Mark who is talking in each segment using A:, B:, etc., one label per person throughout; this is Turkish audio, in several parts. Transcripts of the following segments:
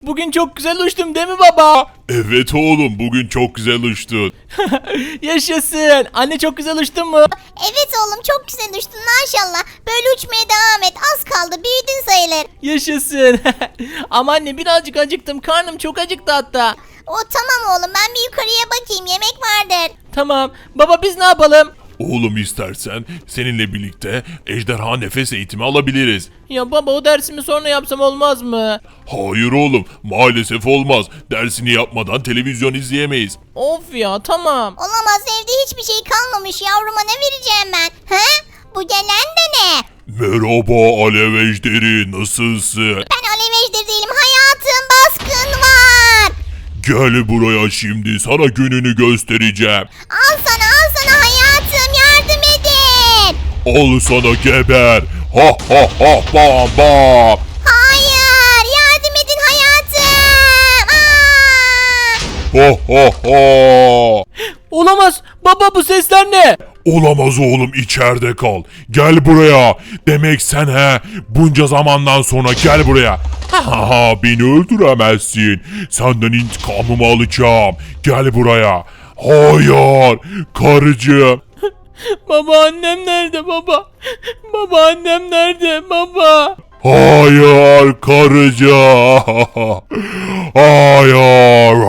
A: Bugün çok güzel uçtum değil mi baba?
B: Evet oğlum, bugün çok güzel uçtun.
A: Yaşasın. Anne çok güzel uçtun mu?
C: Evet oğlum çok güzel uçtun maşallah. Böyle uçmaya devam et. Az kaldı büyüdün sayılır.
A: Yaşasın. Ama anne birazcık acıktım. Karnım çok acıktı hatta.
C: O tamam oğlum ben bir yukarıya bakayım yemek vardır.
A: Tamam. Baba biz ne yapalım?
B: Oğlum istersen seninle birlikte ejderha nefes eğitimi alabiliriz.
A: Ya baba o dersimi sonra yapsam olmaz mı?
B: Hayır oğlum, maalesef olmaz. Dersini yapmadan televizyon izleyemeyiz.
A: Of ya tamam.
C: Olamaz evde hiçbir şey kalmamış yavruma ne vereceğim ben? He? Bu gelen de ne?
B: Merhaba Alev Ejderi, nasılsın?
C: Ben alev ejderi değilim hayatım baskın var.
B: Gel buraya, şimdi sana gününü göstereceğim.
C: Al sana hayatım yardım edin.
B: Al sana, geber. Ha ha ha, bam bam.
C: Hayır yardım edin hayatım.
B: Ha ha ha.
A: Olamaz. Baba bu sesler ne?
B: Olamaz oğlum, içeride kal. Gel buraya. Demek sen bunca zamandan sonra gel buraya. Ha ha, beni öldüremezsin. Senden intikamımı alacağım. Gel buraya. Hayır karıcığım.
A: Baba annem nerede baba? Baba annem nerede baba?
B: Hayır karıcığım. Hayır.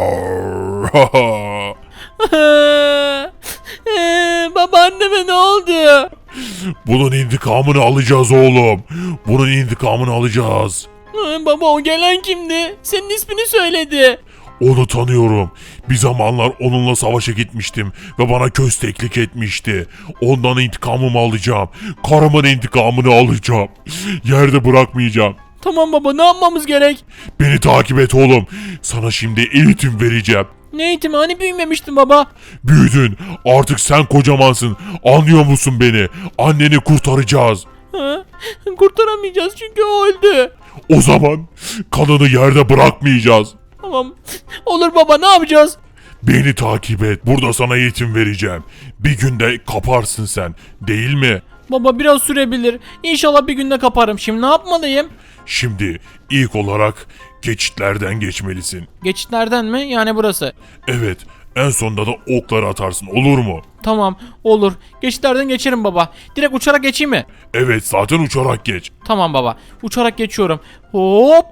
A: Baba anneme ne oldu?
B: Bunun intikamını alacağız oğlum. Bunun intikamını alacağız.
A: Baba o gelen kimdi? Senin ismini söyledi.
B: Onu tanıyorum. Bir zamanlar onunla savaşa gitmiştim ve bana kösteklik etmişti. Ondan intikamımı alacağım. Karımın intikamını alacağım. Yerde bırakmayacağım.
A: Tamam baba ne yapmamız gerek?
B: Beni takip et oğlum. Sana şimdi eğitim vereceğim.
A: Ne eğitimi hani büyümemiştin baba?
B: Büyüdün. Artık sen kocamansın. Anlıyor musun beni? Anneni kurtaracağız.
A: Ha? Kurtaramayacağız çünkü o öldü.
B: O zaman kanını yerde bırakmayacağız.
A: Tamam. Olur baba ne yapacağız?
B: Beni takip et. Burada sana eğitim vereceğim. Bir günde kaparsın sen. Değil mi?
A: Baba biraz sürebilir. İnşallah bir günde kaparım. Şimdi ne yapmalıyım?
B: Şimdi ilk olarak geçitlerden geçmelisin.
A: Geçitlerden mi? Yani burası.
B: Evet, en sonunda da okları atarsın, olur mu?
A: Tamam olur. Geçitlerden geçerim baba. Direkt uçarak geçeyim mi?
B: Evet, zaten uçarak geç.
A: Tamam baba. Uçarak geçiyorum. Hop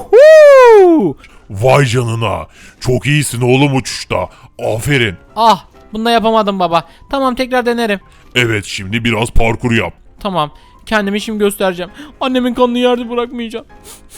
A: hu.
B: Vay canına. Çok iyisin oğlum uçuşta. Aferin.
A: Ah bunu da yapamadım baba. Tamam tekrar denerim.
B: Evet, şimdi biraz parkur yap.
A: Tamam. Kendimi şimdi göstereceğim. Annemin kanını yerde bırakmayacağım.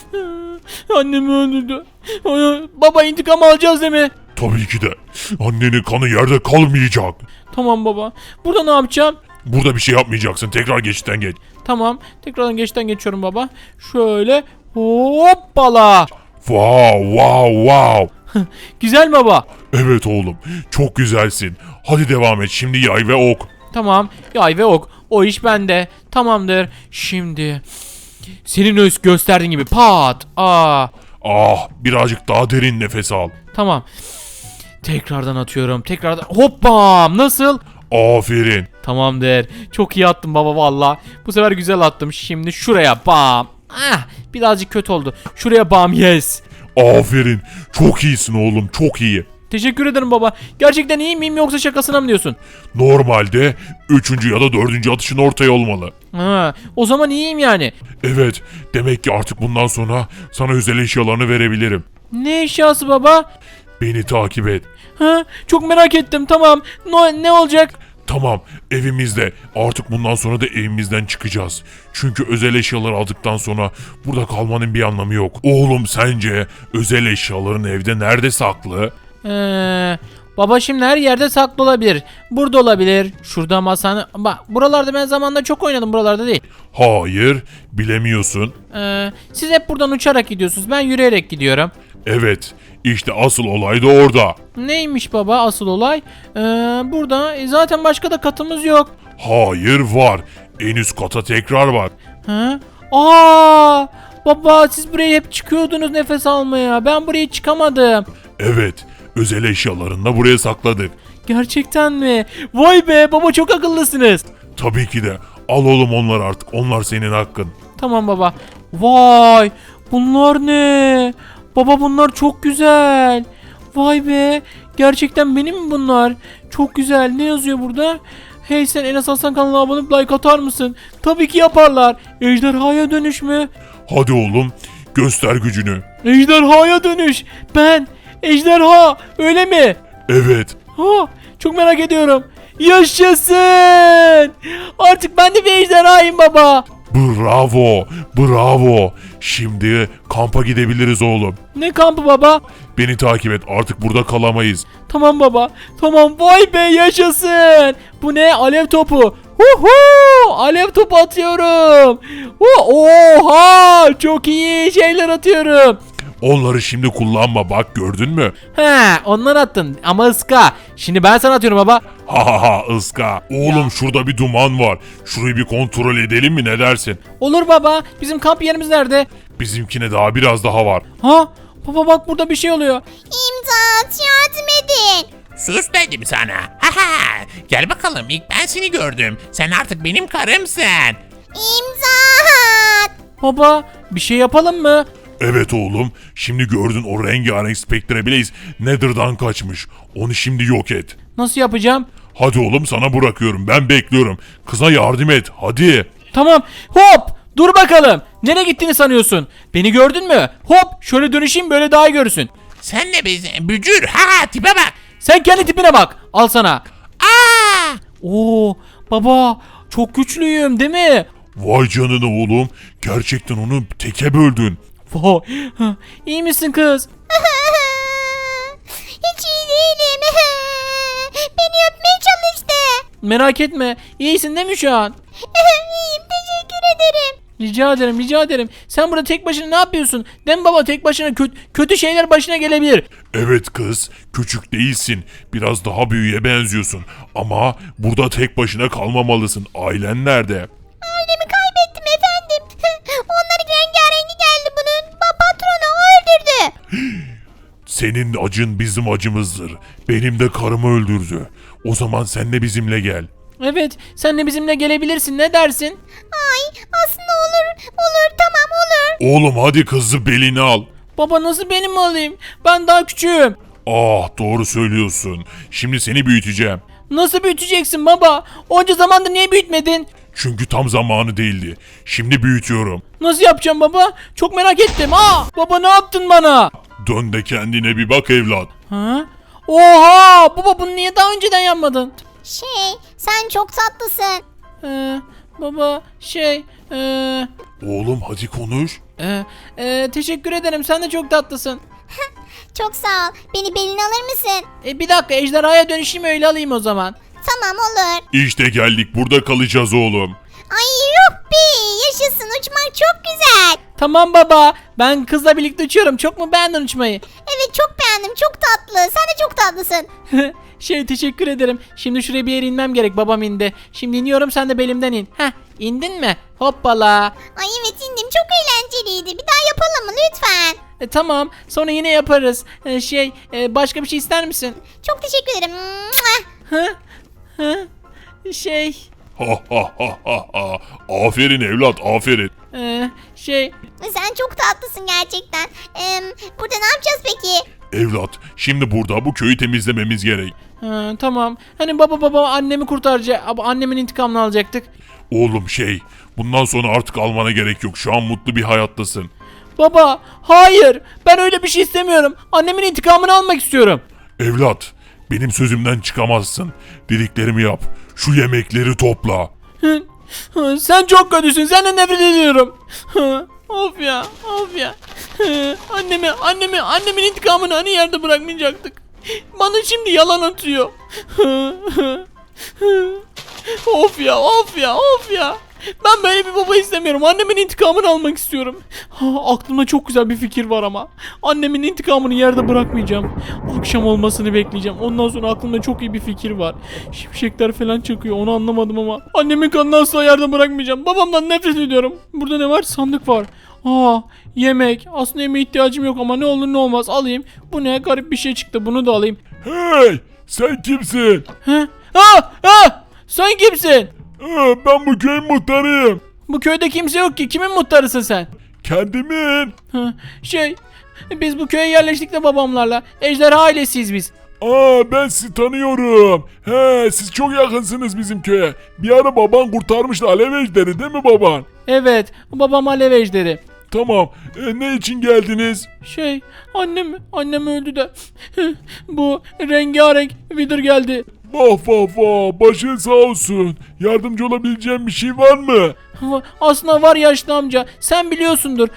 A: Annemi öldürdü. Baba intikam alacağız değil mi?
B: Tabii ki de. Annenin kanı yerde kalmayacak.
A: Tamam baba. Burada ne yapacağım?
B: Burada bir şey yapmayacaksın. Tekrar geçitten geç.
A: Tamam. Tekrardan geçten geçiyorum baba. Şöyle. Hoppala.
B: Wow, wow, wow.
A: Güzel baba.
B: Evet oğlum, çok güzelsin. Hadi devam et. Şimdi yay ve ok.
A: Tamam. Yay ve ok. O iş bende. Tamamdır. Şimdi. Senin gösterdiğin gibi pat. Aa.
B: Ah, birazcık daha derin nefes al.
A: Tamam. Tekrardan atıyorum. Tekrardan. Hoppam. Nasıl?
B: Aferin.
A: Tamamdır. Çok iyi attım baba valla. Bu sefer güzel attım. Şimdi şuraya bam. Ah, birazcık kötü oldu. Şuraya bam yes.
B: Aferin. Çok iyisin oğlum, çok iyi.
A: Teşekkür ederim baba. Gerçekten iyi miyim yoksa şakasına mı diyorsun?
B: Normalde 3. ya da 4. atışın ortaya olmalı.
A: Ha, o zaman iyiyim yani.
B: Evet, demek ki artık bundan sonra sana özel eşyalarını verebilirim.
A: Ne eşyası baba?
B: Beni takip et.
A: Ha, çok merak ettim tamam. Ne olacak?
B: Tamam, evimizde. Artık bundan sonra da evimizden çıkacağız. Çünkü özel eşyaları aldıktan sonra burada kalmanın bir anlamı yok. Oğlum, sence özel eşyaların evde nerede saklı?
A: Baba şimdi her yerde saklı olabilir. Burada olabilir. Şurada masanın. Bak buralarda ben zamanında çok oynadım buralarda değil.
B: Hayır, bilemiyorsun.
A: Siz hep buradan uçarak gidiyorsunuz. Ben yürüyerek gidiyorum.
B: Evet, işte asıl olay da orada.
A: Neymiş baba asıl olay? Burada zaten başka da katımız yok.
B: Hayır, var. En üst kata tekrar bak.
A: Ha? Aa! Baba siz buraya hep çıkıyordunuz nefes almaya. Ben buraya çıkamadım.
B: Evet, özel eşyalarını da buraya sakladık.
A: Gerçekten mi? Vay be baba çok akıllısınız.
B: Tabii ki de. Al oğlum onlar artık. Onlar senin hakkın.
A: Tamam baba. Vay! Bunlar ne? Baba bunlar çok güzel. Vay be. Gerçekten benim mi bunlar? Çok güzel. Ne yazıyor burada? Hey sen Enes Hasan kanalına abone olup like atar mısın? Tabii ki yaparlar. Ejderhaya dönüş mü?
B: Hadi oğlum göster gücünü.
A: Ejderhaya dönüş. Ben ejderha öyle mi?
B: Evet.
A: Ha, çok merak ediyorum. Yaşasın. Artık ben de bir ejderhayım baba.
B: Bravo. Bravo. Şimdi kampa gidebiliriz oğlum.
A: Ne kampı baba?
B: Beni takip et. Artık burada kalamayız.
A: Tamam baba. Tamam vay be yaşasın. Bu ne? Alev topu. Huhu! Alev topu atıyorum. Oha! Çok iyi şeyler atıyorum.
B: Onları şimdi kullanma bak gördün mü?
A: He, onlar attın ama ıska. Şimdi ben sana atıyorum baba.
B: Ha ha ha ıska. Oğlum şurada bir duman var. Şurayı bir kontrol edelim mi ne dersin?
A: Olur baba. Bizim kamp yerimiz nerede?
B: Bizimkine daha biraz daha var.
A: Ha? Baba bak burada bir şey oluyor.
C: İmdat yardım edin.
D: Sus dedim sana. Haha. Gel bakalım ilk ben seni gördüm. Sen artık benim karımsın.
C: İmdat.
A: Baba bir şey yapalım mı?
B: Evet oğlum. Şimdi gördün o rengarenk Spectre Blaze Nether'dan kaçmış. Onu şimdi yok et.
A: Nasıl yapacağım?
B: Hadi oğlum sana bırakıyorum. Ben bekliyorum. Kıza yardım et. Hadi.
A: Tamam. Hop! Dur bakalım. Nereye gittiğini sanıyorsun? Beni gördün mü? Hop! Şöyle dönüşeyim böyle daha iyi görürsün.
D: Sen de biz bücür. Ha tipe bak.
A: Sen kendi tipine bak. Al sana.
D: Aa!
A: Oo! Baba çok güçlüyüm değil mi?
B: Vay canına oğlum. Gerçekten onu teke böldün.
A: Vay. İyi misin kız?
C: Hiç iyi değilim. Beni öpmeye çalıştı.
A: Merak etme. İyisin değil mi şu an?
C: İyiyim teşekkür ederim.
A: Rica ederim, rica ederim. Sen burada tek başına ne yapıyorsun? Değil mi baba tek başına kötü şeyler başına gelebilir.
B: Evet kız. Küçük değilsin. Biraz daha büyüğe benziyorsun. Ama burada tek başına kalmamalısın. Ailen nerede?
C: Ailemi kaybettim efendim. Onların rengarengi geldi bunun. Patronu o öldürdü.
B: Senin acın bizim acımızdır. Benim de karımı öldürdü. O zaman sen de bizimle gel.
A: Evet, sen de bizimle gelebilirsin. Ne dersin?
C: Ay aslında olur. Olur tamam olur.
B: Oğlum hadi kızı belini al.
A: Baba nasıl benim mi alayım? Ben daha küçüğüm.
B: Ah doğru söylüyorsun. Şimdi seni büyüteceğim.
A: Nasıl büyüteceksin baba? Onca zamandır niye büyütmedin?
B: Çünkü tam zamanı değildi. Şimdi büyütüyorum.
A: Nasıl yapacağım baba? Çok merak ettim. Baba ne yaptın bana?
B: Dön de kendine bir bak evlat.
A: Ha? Oha! Baba bunu niye daha önceden yapmadın?
C: Sen çok tatlısın.
A: Baba
B: Oğlum hadi konuş.
A: teşekkür ederim. Sen de çok tatlısın.
C: Çok sağ ol. Beni beline alır mısın?
A: Bir dakika ejderhaya dönüşeyim öyle alayım o zaman.
C: Tamam olur.
B: İşte geldik burada kalacağız oğlum.
C: Ay yuppi yaşasın uçmak çok güzel.
A: Tamam baba. Ben kızla birlikte uçuyorum. Çok mu beğendin uçmayı?
C: Evet çok beğendim çok tatlı. Sen de çok tatlısın.
A: Teşekkür ederim. Şimdi şuraya bir yere inmem gerek. Babam indi. Şimdi iniyorum sen de belimden in. İndin mi? Hoppala.
C: Ay evet indim çok eğlenceliydi. Bir daha yapalım mı lütfen?
A: Tamam. Sonra yine yaparız. Başka bir şey ister misin?
C: Çok teşekkür ederim. Mua!
A: Hı? Hı?
B: Ha ha ha ha ha. Aferin evlat aferin.
C: Sen çok tatlısın gerçekten. Burada ne yapacağız peki?
B: Evlat şimdi burada bu köyü temizlememiz gerek.
A: Tamam. Hani baba annemi kurtaracak. Annemin intikamını alacaktık.
B: Oğlum bundan sonra artık almana gerek yok. Şu an mutlu bir hayattasın.
A: Baba hayır. Ben öyle bir şey istemiyorum. Annemin intikamını almak istiyorum.
B: Evlat benim sözümden çıkamazsın. Dediklerimi yap. Şu yemekleri topla.
A: Sen çok kötüsün. Senden nefret ediyorum. Of ya. Annemin intikamını hani yerde bırakmayacaktık. Bana şimdi yalan atıyor. Of ya. Ben böyle bir baba istemiyorum. Annemin intikamını almak istiyorum. Aklımda çok güzel bir fikir var ama. Annemin intikamını yerde bırakmayacağım. Akşam olmasını bekleyeceğim. Ondan sonra aklımda çok iyi bir fikir var. Şimşekler falan çakıyor. Onu anlamadım ama. Annemin kanını asla yerde bırakmayacağım. Babamdan nefret ediyorum. Burada ne var? Sandık var. Yemek. Aslında yemeğe ihtiyacım yok ama ne olur ne olmaz alayım. Bu ne? Garip bir şey çıktı. Bunu da alayım.
B: Hey sen kimsin?
A: Sen kimsin?
B: Ben bu köyün muhtarıyım.
A: Bu köyde kimse yok ki. Kimin muhtarısın sen?
B: Kendimin.
A: Biz bu köye yerleştik de babamlarla. Ejderha ailesiyiz biz.
B: Aa, ben sizi tanıyorum. He, siz çok yakınsınız bizim köye. Bir ara baban kurtarmıştı alev ejderi değil mi baban?
A: Evet, babam alev ejderi.
B: Tamam. Ne için geldiniz?
A: Annem öldü de. Bu rengarenk Wither geldi.
B: Vah vah vah, başın sağ olsun. Yardımcı olabileceğim bir şey var mı?
A: Aslında var yaşlı amca. Sen biliyorsundur.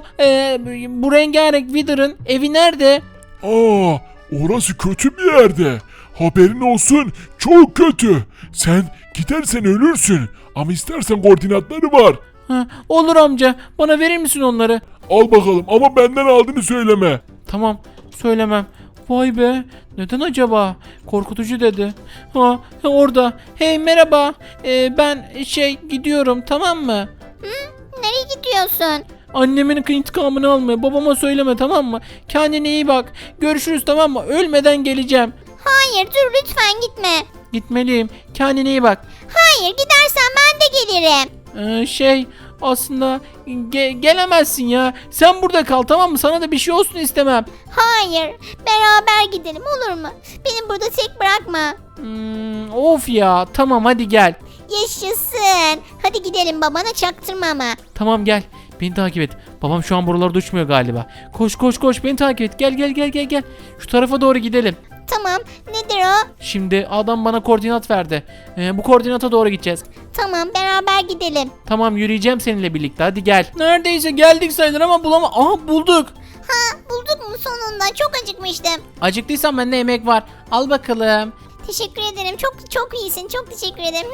A: Bu rengarenk Wither'ın evi nerede?
B: Aa, orası kötü bir yerde. Haberin olsun, çok kötü. Sen gidersen ölürsün. Ama istersen koordinatları var.
A: Olur amca. Bana verir misin onları?
B: Al bakalım ama benden aldığını söyleme.
A: Tamam. Söylemem. Vay be. Neden acaba? Korkutucu dedi. Orada. Hey merhaba. Ben gidiyorum, tamam mı?
C: Nereye gidiyorsun?
A: Annemin intikamını almaya. Babama söyleme, tamam mı? Kendine iyi bak. Görüşürüz, tamam mı? Ölmeden geleceğim.
C: Hayır dur lütfen gitme.
A: Gitmeliyim. Kendine iyi bak.
C: Hayır gidersen ben de gelirim.
A: Aslında gelemezsin ya. Sen burada kal, tamam mı? Sana da bir şey olsun istemem.
C: Hayır beraber gidelim olur mu? Beni burada tek bırakma.
A: Of ya. Tamam hadi gel.
C: Yaşasın. Hadi gidelim babana çaktırma ama.
A: Tamam gel. Beni takip et. Babam şu an buralarda uçmuyor galiba. Koş koş koş, beni takip et. Gel. Şu tarafa doğru gidelim.
C: Tamam nedir o?
A: Şimdi adam bana koordinat verdi. Bu koordinata doğru gideceğiz.
C: Tamam beraber gidelim.
A: Tamam, yürüyeceğim seninle birlikte, hadi gel. Neredeyse geldik sayılır ama Aha, bulduk.
C: Bulduk mu sonunda? Çok acıkmıştım.
A: Acıktıysan bende yemek var. Al bakalım.
C: Teşekkür ederim. Çok iyisin. Çok teşekkür ederim.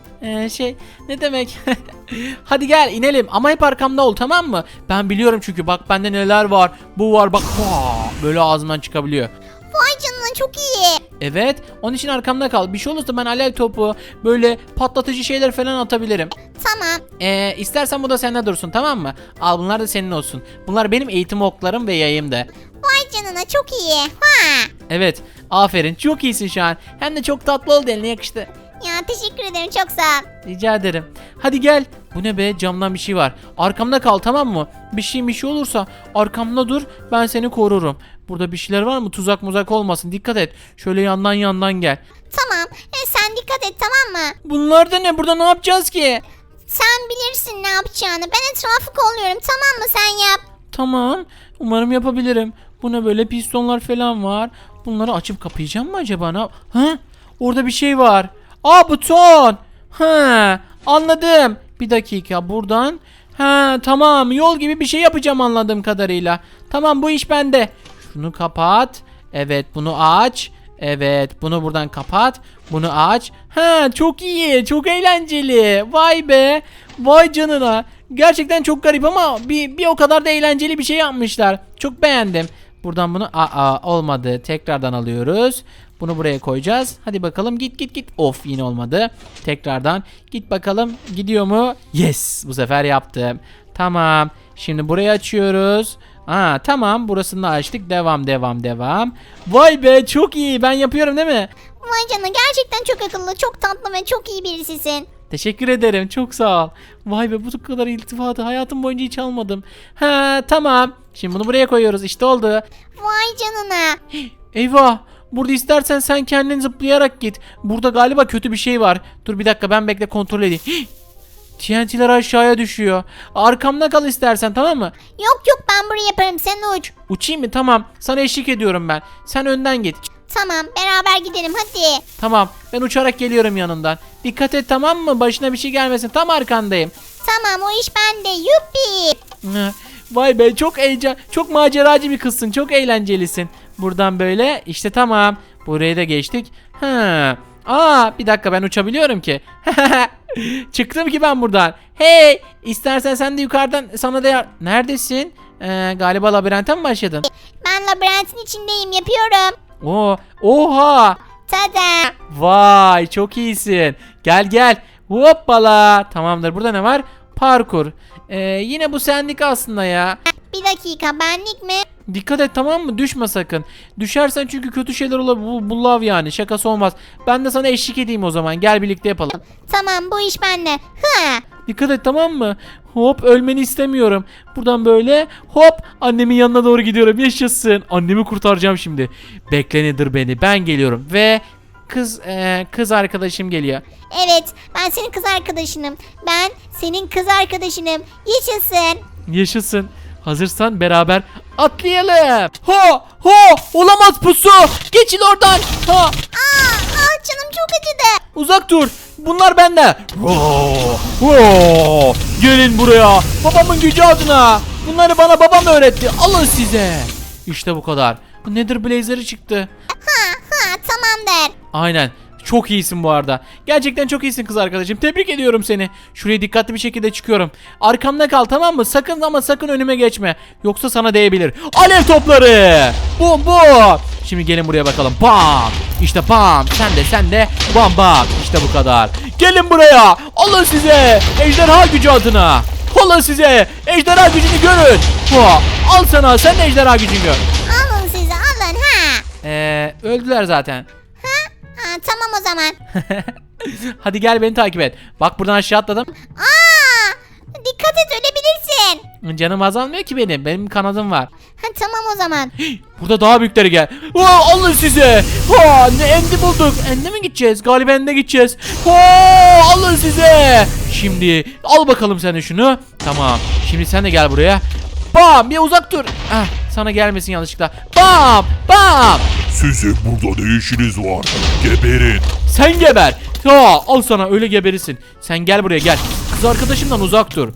A: Ne demek? Hadi gel inelim ama hep arkamda ol, tamam mı? Ben biliyorum çünkü, bak bende neler var. Bu var bak. Böyle ağzımdan çıkabiliyor.
C: Vay canına çok iyi.
A: Evet, onun için arkamda kal. Bir şey olursa ben alev topu, böyle patlatıcı şeyler falan atabilirim.
C: Tamam.
A: İstersen bu da sende dursun, tamam mı? Al, bunlar da senin olsun. Bunlar benim eğitim oklarım ve yayım da.
C: Vay canına çok iyi. Ha.
A: Evet, aferin, çok iyisin şu an. Hem de çok tatlı oldu, eline yakıştı.
C: Ya teşekkür ederim çok sağ ol.
A: Rica ederim. Hadi gel. Bu ne be, camdan bir şey var. Arkamda kal, tamam mı? Bir şey olursa arkamda dur, ben seni korurum. Burada bir şeyler var mı? Tuzak muzak olmasın, dikkat et. Şöyle yandan gel.
C: Tamam. Sen dikkat et tamam mı?
A: Bunlar da ne? Burada ne yapacağız ki?
C: Sen bilirsin ne yapacağını. Ben etrafı kolluyorum tamam mı? Sen yap.
A: Tamam. Umarım yapabilirim. Bu ne böyle, pistonlar falan var. Bunları açıp kapayacağım mı acaba? Orada bir şey var. Buton. Anladım. Bir dakika, buradan. Tamam, yol gibi bir şey yapacağım anladığım kadarıyla. Tamam, bu iş bende. Şunu kapat. Evet, bunu aç. Evet, bunu buradan kapat. Bunu aç. Çok iyi, çok eğlenceli. Vay be. Vay canına. Gerçekten çok garip ama bir o kadar da eğlenceli bir şey yapmışlar. Çok beğendim. Buradan bunu olmadı. Tekrardan alıyoruz. Bunu buraya koyacağız. Hadi bakalım, git. Of, yine olmadı. Tekrardan git bakalım. Gidiyor mu? Yes, bu sefer yaptım. Tamam. Şimdi burayı açıyoruz. Tamam, burasını da açtık. Devam. Vay be, çok iyi. Ben yapıyorum değil mi?
C: Vay canına gerçekten çok akıllı, çok tatlı ve çok iyi birisisin.
A: Teşekkür ederim. Çok sağ ol. Vay be, bu kadar iltifatı hayatım boyunca hiç almadım. Tamam. Şimdi bunu buraya koyuyoruz. İşte oldu.
C: Vay canına.
A: Eyvah. Burada istersen sen kendin zıplayarak git. Burada galiba kötü bir şey var. Dur bir dakika, ben bekle, kontrol edeyim. TNT'ler aşağıya düşüyor. Arkamda kal istersen, tamam mı?
C: Yok ben burayı yaparım sen uç.
A: Uçayım mı? Tamam. Sana eşlik ediyorum ben. Sen önden git.
C: Tamam beraber gidelim hadi.
A: Tamam. Ben uçarak geliyorum yanından. Dikkat et, tamam mı? Başına bir şey gelmesin. Tam arkandayım.
C: Tamam o iş bende yuppi.
A: Vay be, çok maceracı bir kızsın. Çok eğlencelisin. Buradan böyle işte, tamam. Buraya da geçtik. Bir dakika, ben uçabiliyorum ki. Çıktım ki ben buradan. Hey, istersen sen de yukarıdan sana da neredesin? Galiba labirente mi başladın?
C: Ben labirentin içindeyim yapıyorum.
A: Oha.
C: Tada.
A: Vay, çok iyisin. Gel. Hoppala. Tamamdır. Burada ne var? Parkur. Yine bu senlik aslında ya.
C: Bir dakika benlik mi?
A: Dikkat et, tamam mı? Düşme sakın. Düşersen çünkü kötü şeyler olabilir. Bu lav yani, şakası olmaz. Ben de sana eşlik edeyim o zaman. Gel birlikte yapalım.
C: Tamam, bu iş bende. Hı.
A: Dikkat et, tamam mı? Hop, ölmeni istemiyorum. Buradan böyle hop annemin yanına doğru gidiyorum. Yaşasın. Annemi kurtaracağım şimdi. Bekle Nedir beni. Ben geliyorum ve kız arkadaşım geliyor.
C: Evet, ben senin kız arkadaşınım. Ben senin kız arkadaşınım. Yaşasın.
A: Yaşasın. Hazırsan beraber atlayalım. Ha ha, olamaz pusu. Geçin oradan. Ha,
C: Canım çok acıdı.
A: uzak dur. Bunlar bende. Gelin buraya. Babamın gücü adına. Bunları bana babam öğretti. Alın size. İşte bu kadar. Bu Nether Blazer'ı çıktı.
C: Tamamdır.
A: Aynen. Çok iyisin bu arada. Gerçekten çok iyisin kız arkadaşım. Tebrik ediyorum seni. Şuraya dikkatli bir şekilde çıkıyorum. Arkamda kal, tamam mı? Sakın ama sakın önüme geçme. Yoksa sana değebilir. Alev topları. Bum bum. Şimdi gelin buraya bakalım. Bam. İşte bam. Sen de bam bam. İşte bu kadar. Gelin buraya. Alın size. Ejderha gücü adına. Alın size. Ejderha gücünü görün. Al sana. Sen de ejderha gücünü gör.
C: Alın size, alın ha.
A: Öldüler zaten.
C: Tamam o zaman.
A: Hadi gel beni takip et. Bak buradan aşağı atladım.
C: Dikkat et, ölebilirsin.
A: Canım azalmıyor ki benim. Benim kanadım var.
C: Tamam o zaman.
A: Burada daha büyükleri gel. Alın size. Ne endi bulduk. Ende mi gideceğiz? Galiba ende gideceğiz. Alın size. Şimdi al bakalım sen de şunu. Tamam. Şimdi sen de gel buraya. Bam, bir uzak dur. Sana gelmesin yanlışlıkla. Bam bam.
B: Sizin burada ne işiniz var? Geberin.
A: Sen geber. Al sana, öyle geberirsin. Sen gel buraya, gel. Kız arkadaşımdan uzak dur.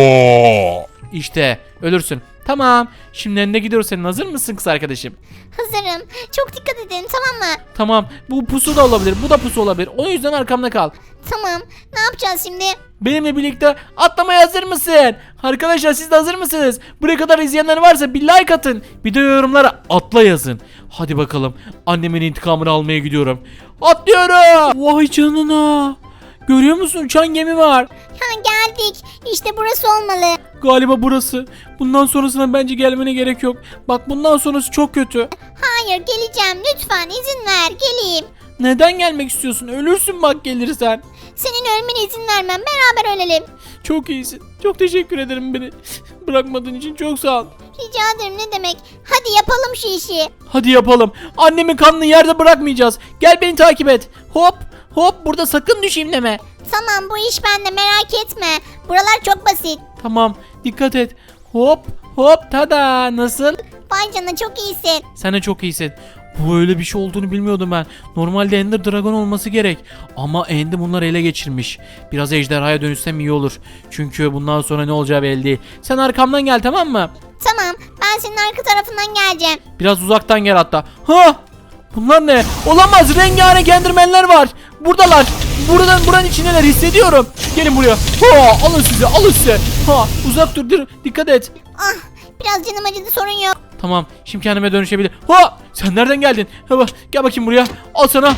B: Ha!
A: İşte ölürsün. Tamam. Şimdi önüne gidiyoruz senin. Hazır mısın kız arkadaşım?
C: Hazırım. Çok dikkat edin, tamam mı?
A: Tamam. Bu pusu da olabilir. Bu da pusu olabilir. O yüzden arkamda kal.
C: Tamam. Ne yapacağız şimdi?
A: Benimle birlikte atlamaya hazır mısın? Arkadaşlar siz de hazır mısınız? Buraya kadar izleyenler varsa bir like atın. Bir de yorumlara atla yazın. Hadi bakalım. Annemin intikamını almaya gidiyorum. Atlıyorum. Vay canına. Görüyor musun? Uçan gemi var.
C: Geldik. İşte burası olmalı.
A: Galiba burası. Bundan sonrasına bence gelmene gerek yok. Bak bundan sonrası çok kötü.
C: Hayır, geleceğim. Lütfen izin ver. Geleyim.
A: Neden gelmek istiyorsun? Ölürsün bak gelirsen.
C: Senin ölmene izin vermem. Beraber ölelim.
A: Çok iyisin. Çok teşekkür ederim beni bırakmadığın için. Çok sağ ol.
C: Rica ederim, ne demek. Hadi yapalım şu işi.
A: Hadi yapalım. Annemin kanını yerde bırakmayacağız. Gel beni takip et. Hop hop, burada sakın düşeyim deme.
C: Tamam, bu iş bende, merak etme. Buralar çok basit.
A: Tamam, dikkat et. Hop hop, tada, nasıl?
C: Vay canına, çok iyisin.
A: Sen de çok iyisin. Bu öyle bir şey olduğunu bilmiyordum ben. Normalde Ender Dragon olması gerek. Ama Ender bunları ele geçirmiş. Biraz ejderhaya dönüşsem iyi olur. Çünkü bundan sonra ne olacağı belli değil. Sen arkamdan gel, tamam mı?
C: Tamam, ben senin arka tarafından geleceğim.
A: Biraz uzaktan gel hatta. Bunlar ne? Olamaz, rengarenk endermenler var. Buradalar. Buranın içindeler, hissediyorum. Gelin buraya. Alın size, alın size. Uzak dur, dikkat et.
C: Biraz canım acıdı, sorun yok.
A: Tamam, şimdi kendime dönüşebilir. Sen nereden geldin? Gel bakayım buraya. Al sana.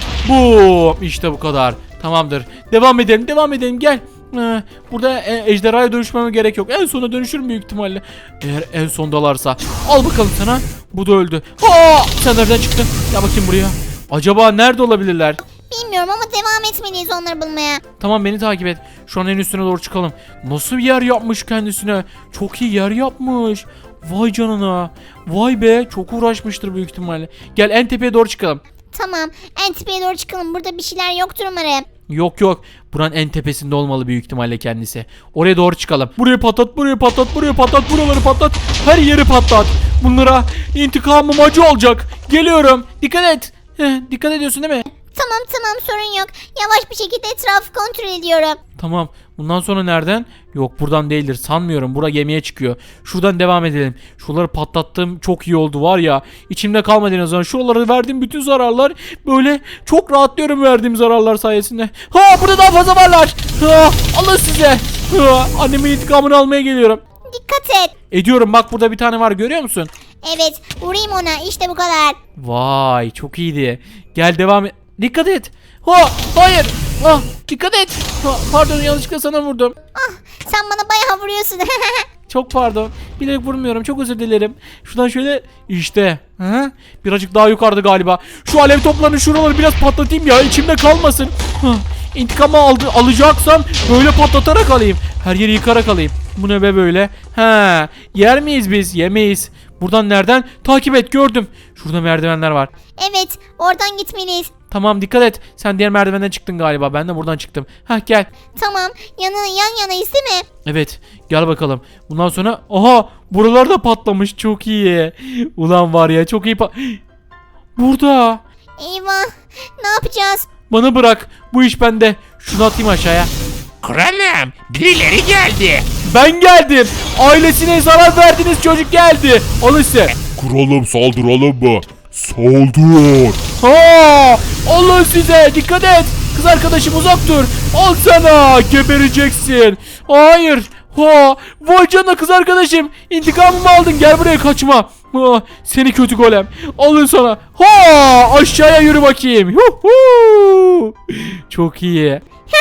A: Bu işte bu kadar. Tamamdır. Devam edelim. Gel. Burada ejderhaya dönüşmeme gerek yok. En sona dönüşürüm büyük ihtimalle. Eğer en sondalarsa. Al bakalım sana. Bu da öldü. Sen nereden çıktın? Gel bakayım buraya. Acaba nerede olabilirler?
C: Bilmiyorum ama devam etmeliyiz onları bulmaya.
A: Tamam, beni takip et. Şu an en üstüne doğru çıkalım. Nasıl bir yer yapmış kendisine? Çok iyi yer yapmış. Vay canına. Vay be, çok uğraşmıştır büyük ihtimalle. Gel en tepeye doğru çıkalım.
C: Tamam, en tepeye doğru çıkalım. Burada bir şeyler yoktur umarım.
A: Yok. Buranın en tepesinde olmalı büyük ihtimalle kendisi. Oraya doğru çıkalım. Buraya patlat, buraları patlat. Her yeri patlat. Bunlara intikamım acı olacak. Geliyorum. Dikkat et. Dikkat ediyorsun değil mi?
C: Tamam, sorun yok. Yavaş bir şekilde etrafı kontrol ediyorum.
A: Tamam. Bundan sonra nereden? Yok, buradan değildir. Sanmıyorum. Bura gemiye çıkıyor. Şuradan devam edelim. Şuraları patlattığım çok iyi oldu var ya. İçimde kalmadı en azından. Şuralara verdiğim bütün zararlar böyle çok rahatlıyorum verdiğim zararlar sayesinde. Burada daha fazla varlar. Alın size. Annemin intikamını almaya geliyorum.
C: Dikkat et.
A: Ediyorum, bak burada bir tane var, görüyor musun?
C: Evet, vurayım ona. İşte bu kadar.
A: Vay, çok iyiydi. Gel devam et. Dikkat et. Hayır. Ah dikkat et. Pardon yanlışlıkla sana vurdum.
C: Sen bana bayağı vuruyorsun.
A: Çok pardon. Bilerek vurmuyorum. Çok özür dilerim. Şuradan şöyle işte. Ha? Birazcık daha yukarıda galiba. Şu alev toplarını şuraları biraz patlatayım ya. İçimde kalmasın. Hah. İntikamı alacaksam böyle patlatarak alayım. Her yeri yıkarak alayım. Bu ne be böyle? Ha, yer miyiz biz? Yemeyiz. Buradan nereden? Takip et gördüm. Şurada merdivenler var.
C: Evet, oradan gitmeliyiz.
A: Tamam dikkat et. Sen diğer merdivenden çıktın galiba. Ben de buradan çıktım. Hah gel.
C: Tamam, yan yanayız değil mi?
A: Evet gel bakalım. Bundan sonra aha buralar da patlamış. Çok iyi. Ulan var ya çok iyi Burada.
C: Eyvah, ne yapacağız?
A: Bana bırak. Bu iş bende. Şunu atayım aşağıya.
D: Kralım birileri geldi.
A: Ben geldim. Ailesine zarar verdiğiniz çocuk geldi. Alın size.
B: Kralım saldıralım mı? Saldır.
A: Ha! Alın size. Dikkat et. Kız arkadaşım uzak dur. Al sana. Gebereceksin. Hayır. Ha! Vay canına kız arkadaşım. İntikamımı aldın. Gel buraya kaçma. Ha! Seni kötü golem. Alın sana. Ha! Aşağıya yürü bakayım. Huhu! Çok iyi.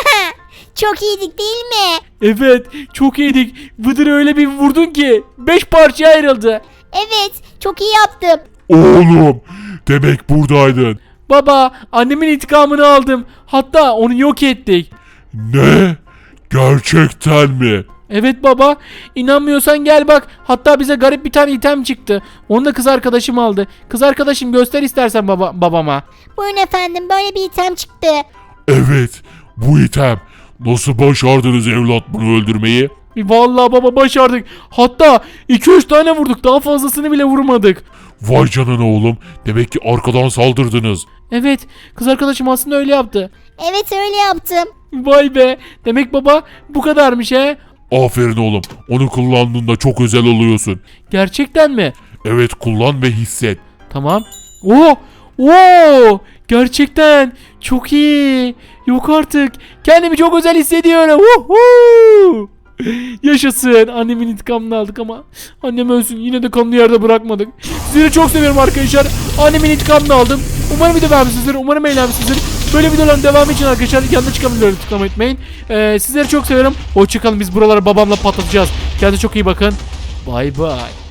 C: Çok iyiydik değil mi?
A: Evet. Çok iyiydik. Vıdır öyle bir vurdun ki 5 parçaya ayrıldı.
C: Evet, çok iyi yaptım.
B: Oğlum demek buradaydın.
A: Baba, annemin intikamını aldım. Hatta onu yok ettik.
B: Ne? Gerçekten mi?
A: Evet baba, inanmıyorsan gel bak. Hatta bize garip bir tane item çıktı. Onu da kız arkadaşım aldı. Kız arkadaşım göster istersen babama.
C: Buyurun efendim, böyle bir item çıktı.
B: Evet bu item. Nasıl başardınız evlat bunu öldürmeyi?
A: Vallahi baba başardık. Hatta 2-3 tane vurduk. Daha fazlasını bile vurmadık.
B: Vay canına oğlum. Demek ki arkadan saldırdınız.
A: Evet, kız arkadaşım aslında öyle yaptı.
C: Evet, öyle yaptım.
A: Vay be. Demek baba bu kadarmış he.
B: Aferin oğlum. Onu kullandığında çok özel oluyorsun.
A: Gerçekten mi?
B: Evet kullan ve hisset.
A: Tamam. Oo! Oo! Gerçekten çok iyi. Yok artık. Kendimi çok özel hissediyorum. Woohoo! Yaşasın. Annemin intikamını aldık ama annem ölsün. Yine de kanlı yerde bırakmadık. Sizleri çok seviyorum arkadaşlar. Annemin intikamını aldım. Umarım video beğenmişsinizdir. Umarım eğlenmişsinizdir. Böyle videoların devamı için arkadaşlar yanında çıkan videoları tıklamayı unutmayın. Sizleri çok seviyorum. Hoşçakalın. Biz buraları babamla patlatacağız. Kendinize çok iyi bakın. Bay bay.